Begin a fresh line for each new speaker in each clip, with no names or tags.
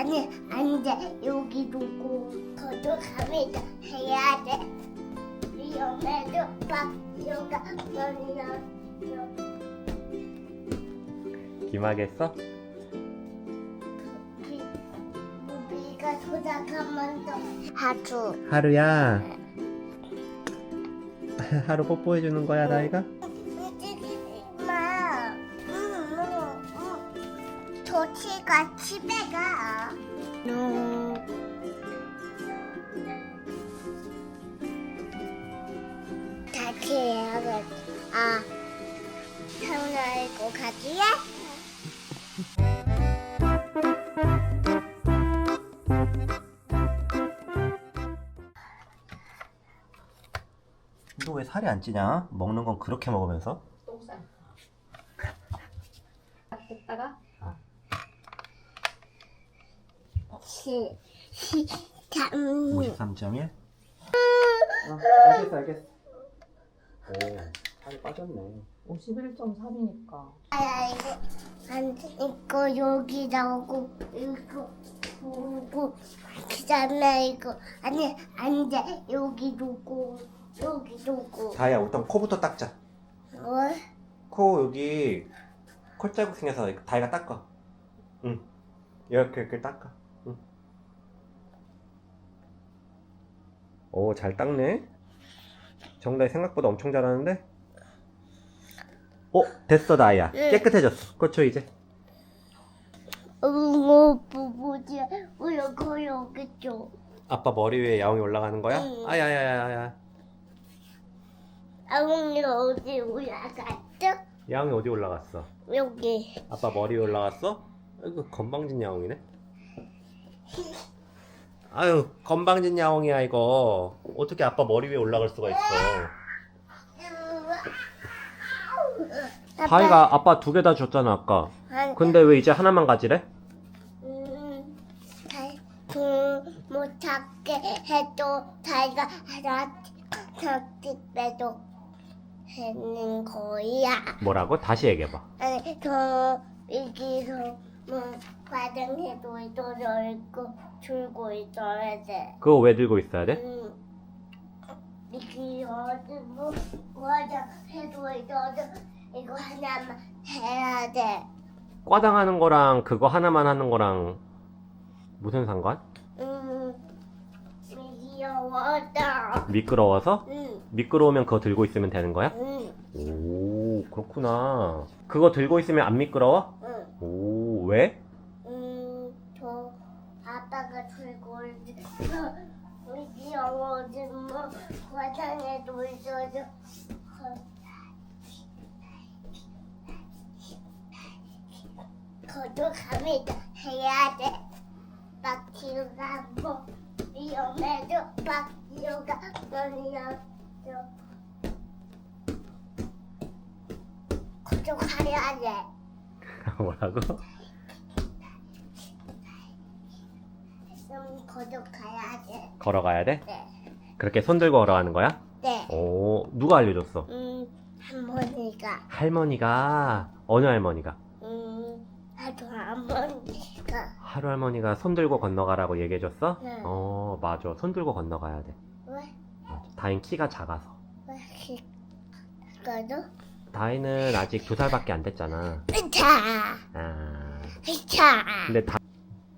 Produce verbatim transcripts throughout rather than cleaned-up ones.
아니 안돼 여기 두고 거듭합니다 해야 돼 위험해도 막 요가 머리야
기막했어?
무비가 도착하면 또 하루
하루야. 하루 뽀뽀해주는 거야, 다이가?
마 도치가 집에 가 다시 해야겠다 아 태훈아 이거 가지야?
너 왜 살이 안 찌냐? 먹는 건 그렇게 먹으면서?
똥쌀. 됐다가
시, 시, 삼.
오십삼 점 일? 어, 알겠어 알겠어. 오, 살이 빠졌네.
오십일 점 삼이니까.
아, 이거, 안, 이거 여기 나오고, 이거 보고, 그 다음에 이거, 아니, 안 돼. 여기 두고, 여기 두고.
다이야, 일단 코부터 닦자.
뭘?
코 여기 콧자국 생겨서 다이가 닦아. 응. 이렇게 이렇게 닦아. 응. 오, 잘 닦네. 정다이 생각보다 엄청 잘하는데? 어, 됐어, 다이야.
응.
깨끗해졌어. 그렇죠, 이제.
어, 뭐, 뭐지? 어, 여기, 여기 좀.
아빠 머리 위에 야옹이 올라가는 거야?
응.
아야야야야.
아웅이 어디 올라갔죠?
야옹이 어디 올라갔어?
여기.
아빠 머리 위에 올라갔어? 아이고, 건방진 야옹이네. 아유, 건방진 야옹이야, 이거. 어떻게 아빠 머리 위에 올라갈 수가 있어. 다이가 아빠 두 개 다 줬잖아, 아까. 근데 왜 이제 하나만 가지래?
음, 달, 못 찾게 해도 다이가 하나 찾기 빼도 하는 거야.
뭐라고? 다시 얘기해봐.
아니, 저 여기서 뭐 과정해도 있어져 있고 들고 있어야 돼.
그거 왜 들고 있어야 돼?
음, 여기 어디 뭐 과정해도 있어져 이거 하나만 해야 돼.
과당하는 거랑 그거 하나만 하는 거랑 무슨 상관?
음, 귀여워다.
미끄러워서?
응,
미끄러우면 그거 들고 있으면 되는 거야?
응,
오, 그렇구나. 그거 들고 있으면 안 미끄러워?
응.
오, 왜?
음, 저 아빠가 들고 있어. 귀여워지 뭐 과장에도 있어서. 거듭합니다 해야 돼. 막히가 뭐 위험해도 막히가 머리야. 거듭해야 돼.
뭐라고?
좀 거듭해야 돼.
걸어가야 돼?
네,
그렇게 손 들고 걸어가는 거야?
네.
오, 누가 알려줬어?
음, 할머니가,
할머니가. 어느 할머니가?
음, 아주 할머니가.
하루 할머니가 손 들고 건너가라고 얘기해줬어?
네.
어, 맞아. 손 들고 건너가야 돼.
왜,
맞아. 다인 키가 작아서.
왜 그거도?
다인은 아직 두 살밖에 안 됐잖아.
으차,
아,
으차.
근데 다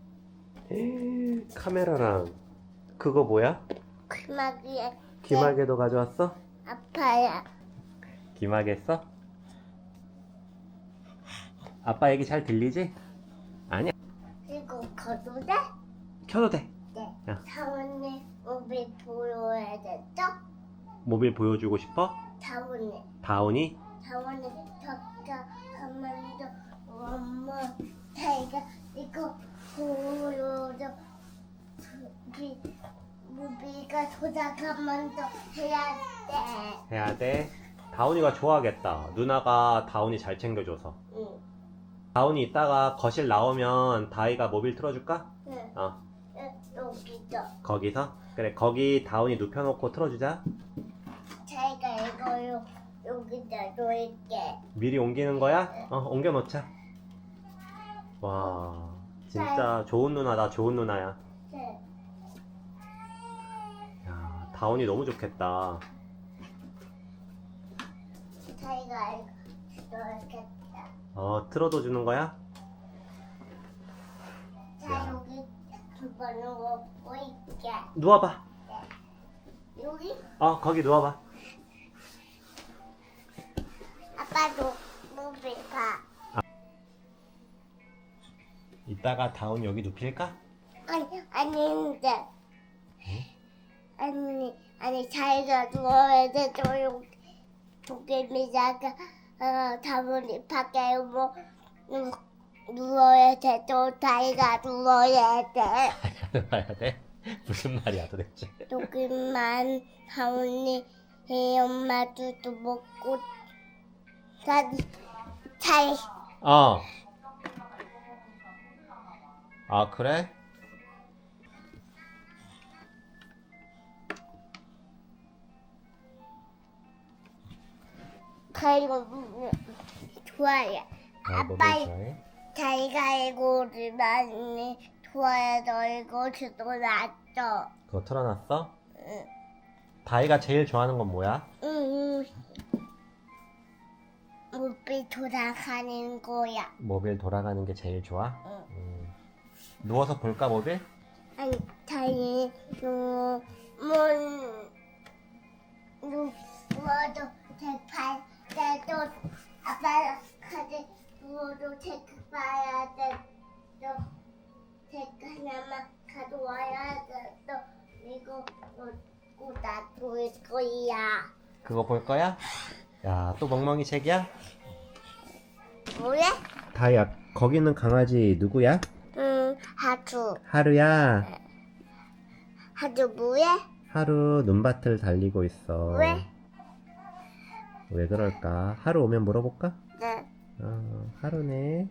카메라랑 그거 뭐야?
그마기에
기마개도 가져왔어?
아파야.
기마개 써? 아빠 얘기 잘 들리지? 아니야.
이거 거도 돼?
켜도 돼.
네.
야.
사원님 우리 보여야 됐죠?
모빌 보여주고 싶어?
사원님,
다운이?
사원님 덕자 하면서 엄마 자기가 이거 보여줘. 우리 우리가 도착하면서 해야 돼.
해야 돼. 다운이가 좋아하겠다. 누나가 다운이 잘 챙겨줘서.
응,
다운이 이따가 거실 나오면 다이가 모빌 틀어줄까?
응.
어,
여기죠.
거기서? 그래, 거기 다운이 눕혀놓고 틀어주자.
자기가 이거 여기다 놓을게.
미리 옮기는 거야? 어, 옮겨놓자. 와, 진짜 좋은 누나다, 좋은 누나야.
네.
야, 다운이 너무 좋겠다.
자기가 이거 넣겠다.
어, 틀어도 주는 거야?
자,
야.
여기 두 번은 먹고 있게.
누워봐.
여기
어, 거기 누워봐.
아빠도 목을 봐.
이따가 다운 여기 눕힐까?
아니, 아닌데. 아니, 아니, 자기가 누워야 돼. 조용. 도깨비자가, 어, 다문이 밖에 뭐, 누, 누워야 돼. 또 자기가 누워야 돼.
누워야 돼? 무슨 말이야 도대체?
조금만 다문이, 이 엄마도 또 먹고, 잘, 잘,
어. 아, 그래?
자기가 좋아해.
아, 뭐
아빠,
좋아해?
자기가 이거를 많이 좋아해서 이것도 놨어.
그거 틀어놨어?
응.
다이가 제일 좋아하는 건 뭐야?
응. 무비 돌아가는 거야.
모빌 돌아가는 게 제일 좋아?
응.
음. 누워서 볼까 모빌?
아니, 자기 뭐, 뭐, 누워도 대팔 때도 아빠 카드 누워도 체크 봐야 돼. 또 체크 하나만 가져와야 돼. 또 이거 놓고 놔둘 거야.
그거 볼 거야? 야, 또 멍멍이 책이야?
뭐야?
다이야, 거기 있는 강아지 누구야?
응, 하주.
하루야.
하주 뭐야?
하루 눈밭을 달리고 있어.
왜?
왜 그럴까? 하루 오면 물어볼까?
네.
어, 하루네.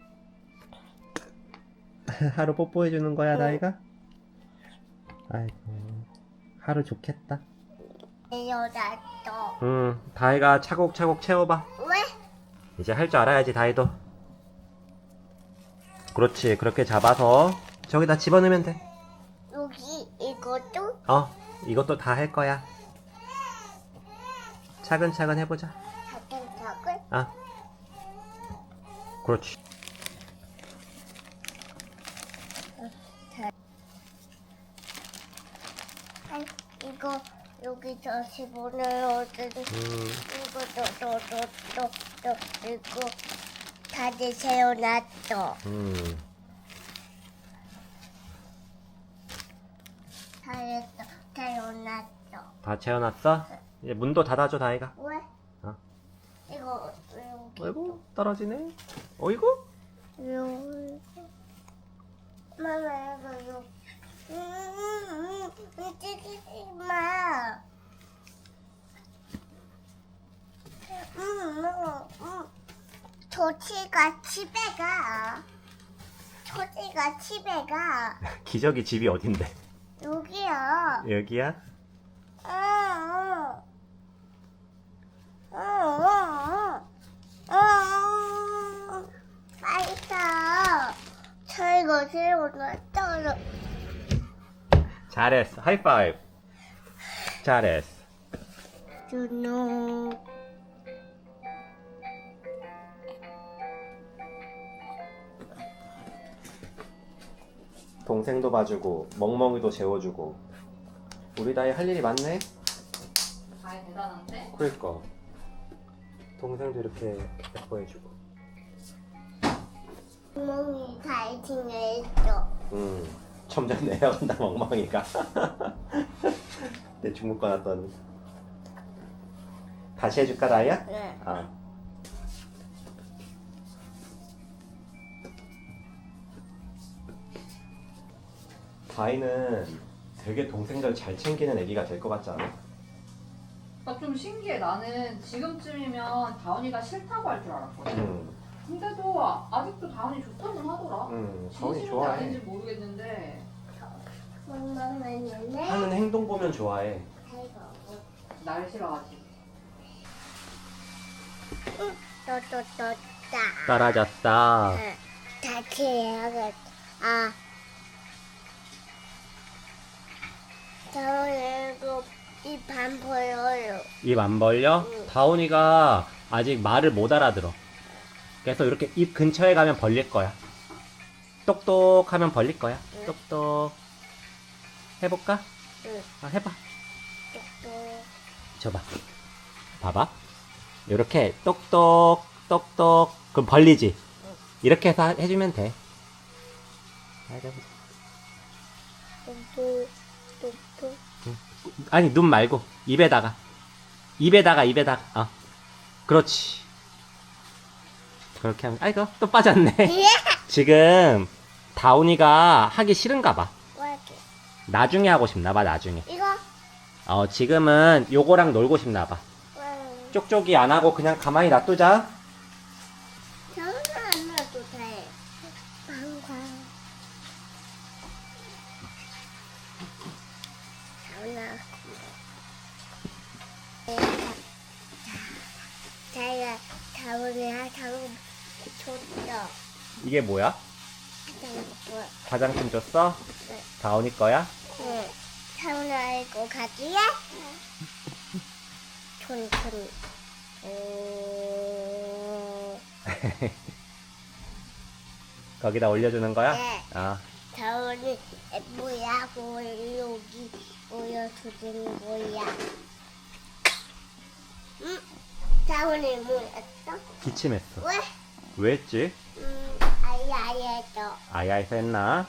하루 뽀뽀해 주는 거야,
응.
다이가? 아이고, 하루 좋겠다.
내려놨어.
응, 다이가 차곡차곡 채워봐.
왜?
이제 할 줄 알아야지, 다이도. 그렇지, 그렇게 잡아서 저기다 집어넣으면 돼.
여기 이것도?
어, 이것도 다 할 거야. 차근차근 해보자.
사탕사글?
아, 그렇지.
아, 이거 여기서 집어넣어야 돼.
음,
이거 또또또또 이거 다시 세워놨어.
음.
잘했어. 세워놨어.
다 채워놨어? 이제 문도 닫아줘, 다이가.
왜?
어.
이거 여기
아이고, 떨어지네. 어이구?
여기 마마 이거 여기 음, 움직이지 마. 음, 음, 음. 조치가 집에 가. 조치가 집에 가.
기저귀 집이 어딘데?
여기야.
여기야?
응, 응. 응, 응, 응. 응. 맛있어. 저희가 세워놨잖아.
잘했어. 하이파이브. 잘했어.
준호.
동생도 봐주고, 멍멍이도 재워주고. 우리 다이 할 일이 많네?
다이 대단한데?
그러니까. 동생도 이렇게 예뻐해주고.
구멍이 다이팅을 했어.
음, 점점 내려간다, 멍멍이가. 내 중국 거 놨더니. 다시 해줄까, 다이야?
응.
아. 다이는 되게 동생들 잘 챙기는 애기가 될 것 같지 않아?
나 좀 신기해. 나는 지금쯤이면 다운이가 싫다고 할 줄 알았거든.
응,
근데도 아- 아직도 다운이 좋다는 하더라.
응, 다운이
진심인지
좋아해.
아닌지 모르겠는데
엄마는 했는데
하는 행동 보면 좋아해.
날 싫어하지.
또또또따.
떨어졌어.
다시 해야겠다. 아. 다운이 이거 입안 보여요.
입 안 벌려?
응.
다온이가 아직 말을 못 알아들어. 그래서 이렇게 입 근처에 가면 벌릴 거야. 똑똑 하면 벌릴 거야.
응.
똑똑. 해볼까?
응.
아, 해봐.
똑똑.
줘봐. 봐봐. 이렇게 똑똑, 똑똑. 그럼 벌리지? 이렇게 해서 해주면 돼. 아, 해보자.
똑똑. 똑똑.
아니, 눈 말고. 입에다가. 입에다가, 입에다가. 어. 그렇지. 그렇게 하면, 아이고, 또 빠졌네. 지금, 다운이가 하기 싫은가 봐.
왜 이렇게?
나중에 하고 싶나 봐, 나중에.
이거?
어, 지금은 요거랑 놀고 싶나 봐.
왜?
쪽쪽이 안 하고 그냥 가만히 놔두자.
저는 안 놔도 돼. 방광. 자훈아. 자기가 자훈이 하자고 줬어.
이게 뭐야?
하자고.
화장품 줬어?
네.
다운이 거야?
응. 자훈아 이거 가지야? 촌, 촌. 어...
거기다 올려주는 거야?
네.
아,
자훈이 뭐야? 뭐 여기 올려주는 거야? 응? 자훈이 뭐였어?
기침했어.
왜?
왜 했지?
음, 아야야죠.
아야에서 했나?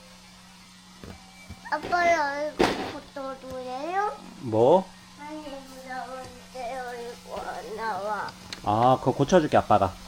아빠 이거 고쳐줘요?
뭐?
아니 무서운데요 이거 안 나와.
아, 그거 고쳐줄게, 아빠가.